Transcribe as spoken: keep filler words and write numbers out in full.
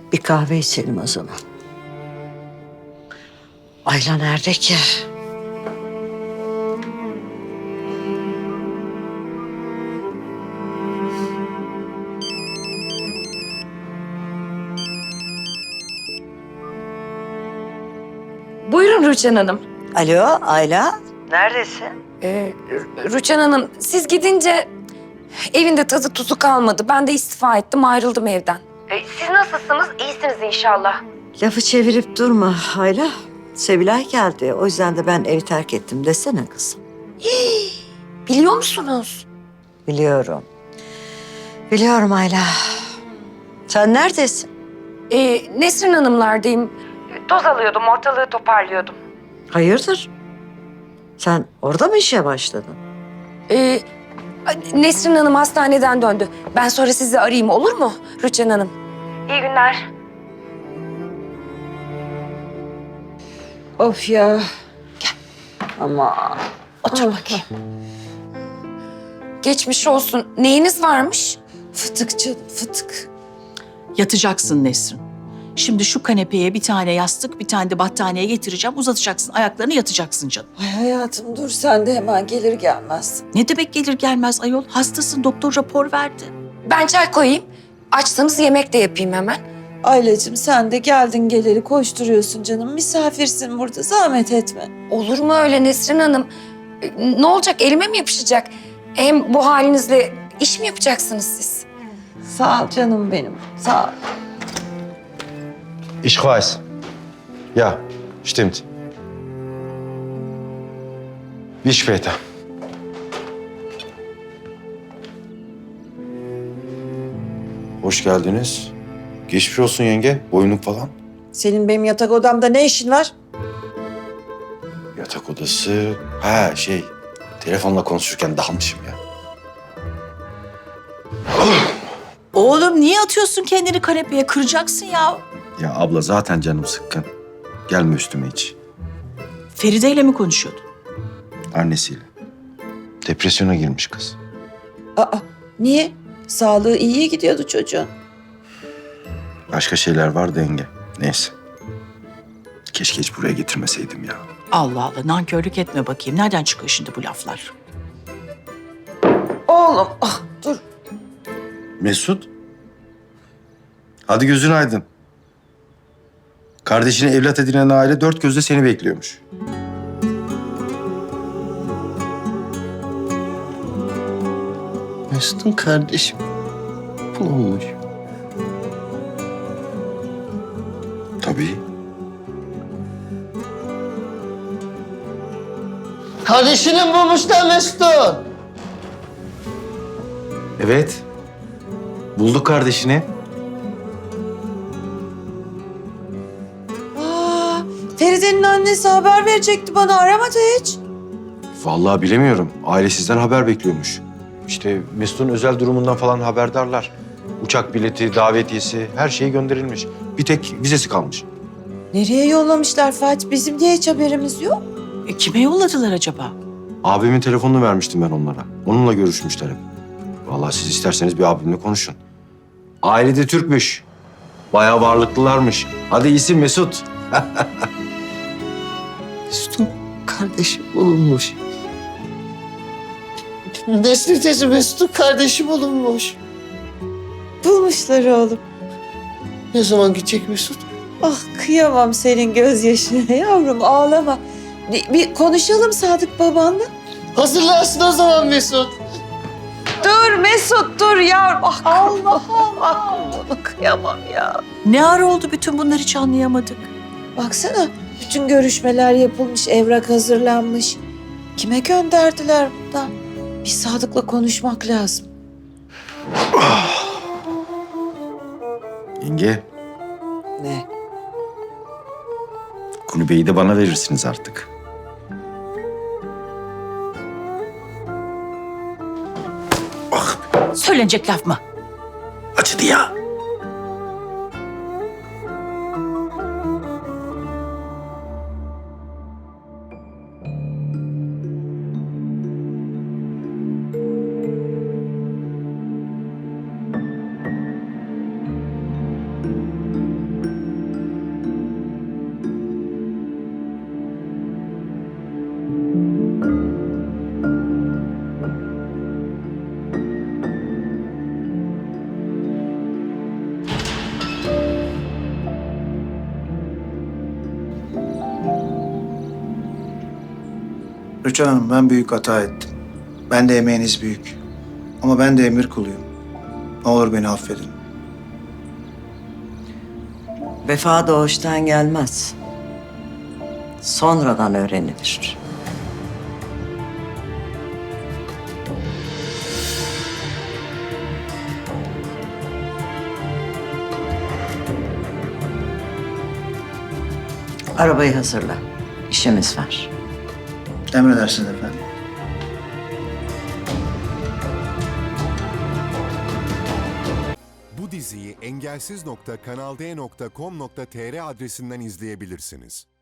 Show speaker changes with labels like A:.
A: Bir kahve içelim o zaman. Ayla nerede ki?
B: Buyurun Rüçhan Hanım.
A: Alo Ayla. Neredesin?
B: Ee, Rü- Rüçhan Hanım, siz gidince evinde tadı tuzu kalmadı. Ben de istifa ettim, ayrıldım evden. Ee, siz nasılsınız? İyisiniz inşallah.
A: Lafı çevirip durma Ayla. Sevilay geldi. O yüzden de ben evi terk ettim desene kızım.
B: Biliyor musunuz?
A: Biliyorum. Biliyorum Ayla. Sen neredesin?
B: Ee, Nesrin Hanımlardayım. Toz alıyordum, ortalığı toparlıyordum.
A: Hayırdır? Sen orada mı işe başladın?
B: Ee, Nesrin Hanım hastaneden döndü. Ben sonra sizi arayayım, olur mu Rüçhan Hanım? İyi günler.
A: Of ya. Gel. Ama
B: Otur bakayım. Geçmiş olsun. Neyiniz varmış?
C: Fıtık canım, fıtık.
D: Yatacaksın Nesrin. Şimdi şu kanepeye bir tane yastık, bir tane de battaniye getireceğim. Uzatacaksın ayaklarını, yatacaksın canım.
C: Ay hayatım dur sen de hemen gelir gelmez.
D: Ne demek gelir gelmez ayol? Hastasın, doktor rapor verdi.
B: Ben çay koyayım. Açsanız yemek de yapayım hemen.
C: Aylacığım sen de geldin geleli koşturuyorsun canım. Misafirsin burada, zahmet etme.
B: Olur mu öyle Nesrin Hanım? Ee, Ne olacak, elime mi yapışacak? Hem bu halinizle iş mi yapacaksınız siz?
C: Sağ ol canım benim, sağ ol.
E: Ich weiß. Ja, stimmt. Bis später. Hoş geldiniz. Geçmiş olsun yenge. Boyunluk falan.
C: Senin benim yatak odamda ne işin var?
E: Yatak odası. Ha şey. Telefonla konuşurken dalmışım ya.
D: Oğlum niye atıyorsun kendini kanepeye? Kıracaksın ya.
E: Ya abla zaten canım sıkkın. Gelme üstüme hiç.
D: Feride ile mi konuşuyordun?
E: Annesiyle. Depresyona girmiş kız.
C: Aa, niye? Sağlığı iyiye gidiyordu çocuğun.
E: Başka şeyler vardı yenge. Neyse. Keşke hiç buraya getirmeseydim ya.
D: Allah Allah, nankörlük etme bakayım. Nereden çıkıyor şimdi bu laflar?
C: Oğlum, ah dur.
E: Mesut. Hadi gözün aydın. Kardeşini evlat edinen aile dört gözle seni bekliyormuş.
F: Mesut'un kardeşim bulunmuş.
E: Tabii.
F: Kardeşini bulmuşlar Mesut'un.
E: Evet. Bulduk kardeşini.
C: Aa, Feride'nin annesi haber verecekti bana, aramadı hiç.
E: Vallahi bilemiyorum. Aile sizden haber bekliyormuş. İşte Mesut'un özel durumundan falan haberdarlar. Uçak bileti, davetiyesi, her şey gönderilmiş. Bir tek vizesi kalmış.
C: Nereye yollamışlar Fatih? Bizim diye hiç haberimiz yok.
D: E, kime yolladılar acaba?
E: Abimin telefonunu vermiştim ben onlara. Onunla görüşmüşler hep. Vallahi siz isterseniz bir abimle konuşun. Ailede Türkmüş. Bayağı varlıklılarmış. Hadi iyisin Mesut.
F: Mesut'un kardeşi bulunmuş. Nesli teyze Mesut'un kardeşi bulunmuş.
C: Bulmuşlar oğlum.
F: Ne zaman gidecek Mesut?
C: Ah kıyamam senin gözyaşına yavrum, ağlama. Bir, bir konuşalım Sadık babanla.
F: Hazırlansın o zaman Mesut.
C: Dur Mesut dur yavrum. Ah, Allah Allah. Bunu kıyamam ya.
D: Ne ara oldu bütün bunları hiç anlayamadık.
C: Baksana bütün görüşmeler yapılmış, evrak hazırlanmış. Kime gönderdiler bundan? Bir Sadık'la konuşmak lazım.
E: Yenge,
C: Ne?
E: kulübeyi de bana verirsiniz artık.
D: Söylenecek laf mı?
E: Acıdı ya.
G: Rüçhan Hanım, ben büyük hata ettim. Ben de emeğiniz büyük. Ama ben de emir kuluyum. Ne olur beni affedin.
A: Vefa doğuştan gelmez. Sonradan öğrenilir. Arabayı hazırla. İşimiz var.
G: Emredersiniz efendim.
H: Bu diziyi engelsiz nokta kanal d nokta com nokta tr adresinden izleyebilirsiniz.